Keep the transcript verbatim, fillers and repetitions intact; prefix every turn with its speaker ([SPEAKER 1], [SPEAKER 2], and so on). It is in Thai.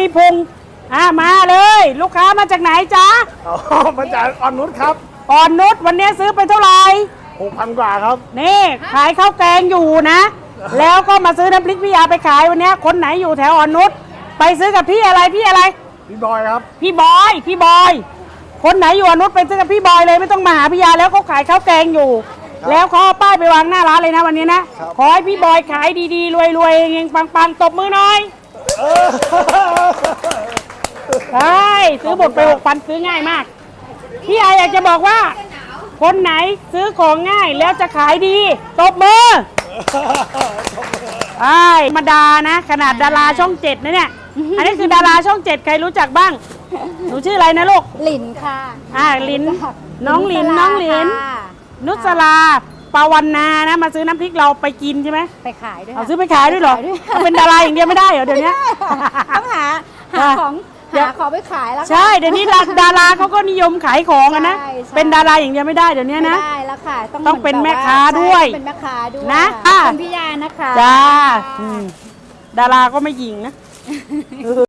[SPEAKER 1] มีพุงอ่ามาเลยลูกค้ามาจากไหนจ๊ะ
[SPEAKER 2] อ๋อมาจากอ่อนนุชครับ
[SPEAKER 1] อ่อนนุชวันนี้ซื้อไปเท่าไหร่
[SPEAKER 2] หกพันกว่าครับ
[SPEAKER 1] นี่ขายข้าวแกงอยู่นะ แล้วก็มาซื้อน้ำพริกพี่ยาไปขายวันนี้คนไหนอยู่แถวอ่อนนุชไปซื้อกับพี่อะไรพี่อะไร
[SPEAKER 2] พี่บอยครับ
[SPEAKER 1] พี่บอยพี่บอย คนไหนอยู่อ่อนนุชไปซื้อกับพี่บอยเลยไม่ต้องมาหาพี่ยาแล้วเขาขายข้าวแกงอยู่ แล้วเขาเอาป้ายไปวางหน้าร้านเลยนะวันนี้นะขอให้พี่บอยขายดีๆรวยๆเฮงๆปังๆตบมือหน่อยใช่ซื้อหมดไปหกพันซื้อง่ายมากพี่ยาอยากจะบอกว่าคนไหนซื้อของง่ายแล้วจะขายดีตบมือไอ้ธรรมดานะขนาดดาราช่องเจ็ดนะเนี่ยอันนี้คือดาราช่องเจ็ดใครรู้จักบ้างหนูชื่ออะไรนะลูก
[SPEAKER 3] หลินค่ะ
[SPEAKER 1] อ่าลินน้องลินน้องลินนุสลาปาวันนานะมาซื้อน้ำพริกเราไปกินใช่ไหม
[SPEAKER 3] ไปขายด้วย
[SPEAKER 1] เอาซื้อไปขายด้วยเหรอเอาเป็นดาราอย่างเดียวไม่ได้เหรอเดี๋ยวนี้
[SPEAKER 3] ต้องหาหาของหาของไปขายแล้วค่ะ
[SPEAKER 1] ใช่เดี๋ยวนี้ดาราเขาก็นิยมขายของกันนะ
[SPEAKER 3] ใช่ใช่
[SPEAKER 1] เป็นดาราอย่างเดียวไม่ได้เดี๋ยวนี้นะ
[SPEAKER 3] ไม่ได้แล้วค่ะต้อง
[SPEAKER 1] ต้องเป็น
[SPEAKER 3] ห
[SPEAKER 1] แม่
[SPEAKER 3] แบบ
[SPEAKER 1] ค้าด้วย
[SPEAKER 3] ใช่เป็นแม่ค้าด้วย
[SPEAKER 1] นะ
[SPEAKER 3] ขอบคุณพี่ยานะคะ
[SPEAKER 1] จ้าอืมดาราก็ไม่หยิงนะ